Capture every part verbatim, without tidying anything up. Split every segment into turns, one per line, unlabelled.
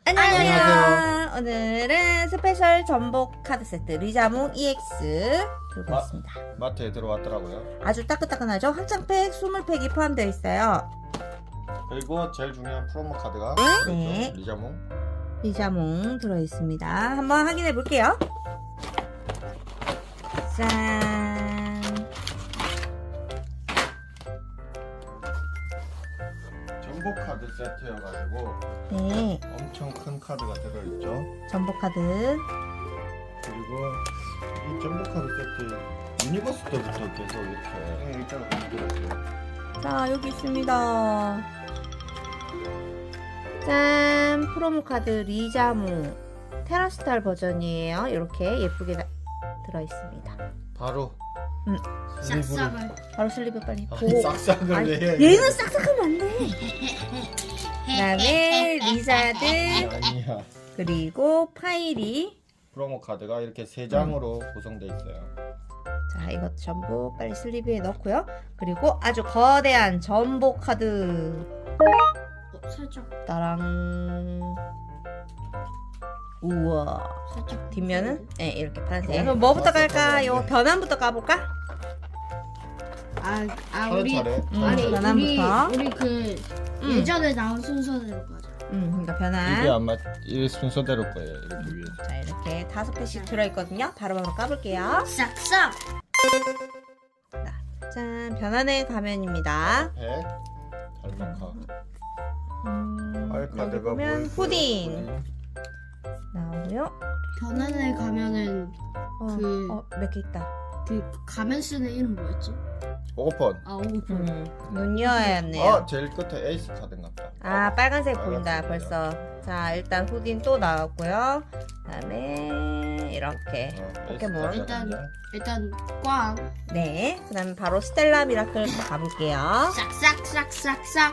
안녕하세요.
안녕하세요. 오늘은 스페셜 전복 카드 세트 리자몽 이엑스 들고
마-
있습니다.
마트에 들어왔더라고요.
아주 따끈따끈하죠? 확장팩 이십 팩이 포함되어 있어요.
그리고 제일 중요한 프로모 카드가
네.
있죠. 리자몽.
리자몽 들어있습니다. 한번 확인해 볼게요. 짠.
전복 카드 세트여가지고
네.
엄청 큰 카드가 들어있죠.
전복 카드.
그리고 이 전복 카드 세트 유니버스 때부터 계속 이렇게 일자로 들어있어요.
자, 여기 있습니다. 짠. 프로모 카드 리자몽 테라스탈 버전이에요. 이렇게 예쁘게 다- 들어있습니다.
바로
음.
슬리브를
싹싹을
바로 슬리브 빨리
아니,
보고.
싹싹을
아니,
왜 해?
얘는 싹싹하면 안 돼. 그다음에 리자드
아니야.
그리고 파이리.
프로모 카드가 이렇게 세 장으로
음.
구성되어 있어요.
자, 이것 전부 빨리 슬리브에 넣고요. 그리고 아주 거대한 전복 카드.
어, 살짝
따랑. 우와.
살짝
뒷면은 네, 이렇게 파란색.
네.
그럼 뭐부터
맞아,
갈까요?
맞아.
변환부터 까볼까?
아, 아 우리
차례차례.
음,
아니
차례차례.
우리
변환부터.
우리 그
음.
예전에 나온 순서대로 가자.
음, 그러니까 변환.
이게 아마 이 순서대로 거예요. 이렇게 위에서.
자, 이렇게 다섯 팩씩 들어있거든요. 바로바로 까볼게요.
싹싹.
짠, 변환의 가면입니다.
백 달마카.
음,
알
여기
카드가
보면
뭐
후딘 나오고요.
변환에 가면은
어,
그-
어, 몇 개 있다.
그 가면 쓰는 이름 뭐였지?
오픈.
아 오픈.
음, 눈 여야였네요.
아 제일 끝에 에이스 카드인 것 같다.
아, 빨간색
빨간색이네요.
보인다 벌써. 자, 일단 후딘 또 나왔고요. 그다음에 이렇게
어, 에이스
포켓몬.
카드가
일단
있네요.
일단 꽝.
네, 그다음에 바로 스텔라 미라클 가볼게요.
싹싹 싹싹싹.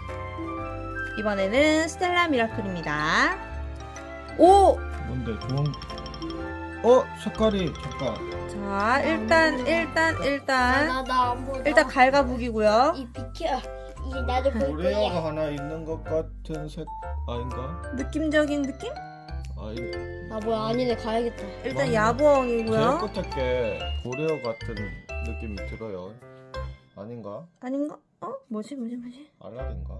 이번에는 스텔라 미라클입니다. 오,
뭔데 좋은. 어 색깔이 잠깐.
자, 일단 일단 일단
나나안 보여.
일단 갈가북이고요.
이 비켜. 이 나도 볼
고레아가
거야.
하나 있는 것 같은 색 아닌가?
느낌적인 느낌?
아 이.
아 뭐야 아니네 가야겠다.
일단
맞네.
야부엉이고요.
제일 끝에 게 고레아 같은 느낌이 들어요. 아닌가?
아닌가? 어? 뭐지 뭐지 뭐지?
알라딘가?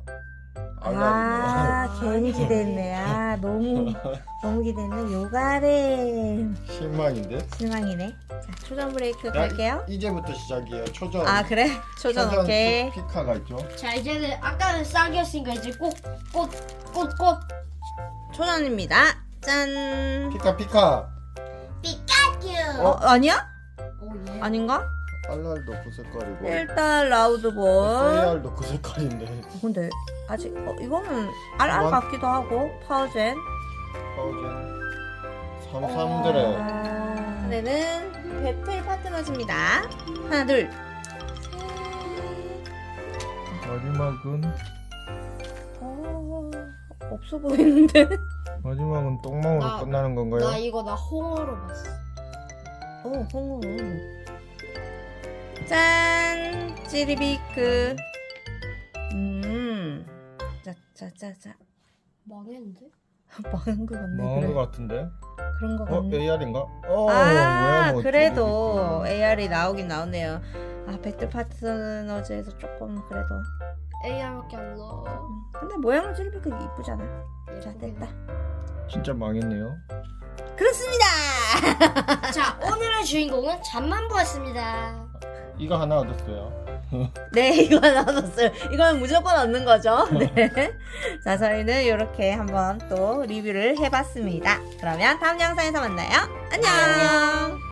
아,
알라딘가?
괜히 기대했네. 아, 너무 너무 기대했네. 요가래.
실망인데?
실망이네. 자, 초전 브레이크
야,
갈게요.
이제부터 시작이에요. 초전.
아, 그래? 초전 오케이.
피- 피카가 있죠.
자 이제는 아까는 싹이었으니까 이제 꽃꽃꽃꽃꽃
초전입니다. 짠.
피카 피카.
피카츄.
어, 아니야?
오 예.
아닌가?
알랄도 그 색깔이고.
일단 라우드볼.
세알도 그 색깔인데.
근데 아직 어, 이거는 알알
원-
같기도 하고 파워젠.
파우젠. 삼삼드레.
아, 이번에는 배틀 파트너즈입니다. 하나, 둘, 셋.
마지막은
어, 없어 보이는데?
마지막은 똥망으로
나-
끝나는 건가요?
나 이거 나 홍어로 봤어.
오, 홍어. 짠! 찌리비크. 음. 자, 자, 자, 자.
망했는데?
망한 거 같네.
망한
그래.
것 같은데?
그런 거
어?
같네.
에이알인가? 어
아,
뭐야 뭐
그래도
찌릿찌릿.
에이알이 나오긴 나오네요. 아, 배틀 파트너즈에서 조금 그래도.
에이알밖에 안 넣어.
음, 근데 모양은 찌리비크 이쁘잖아. 자, 됐다.
진짜 망했네요.
그렇습니다!
자 오늘의 주인공은 잠만보였습니다.
이거 하나 얻었어요.
네, 이거 나왔어요. 이건 무조건 얻는 거죠. 네. 자, 저희는 이렇게 한번 또 리뷰를 해봤습니다. 그러면 다음 영상에서 만나요. 안녕!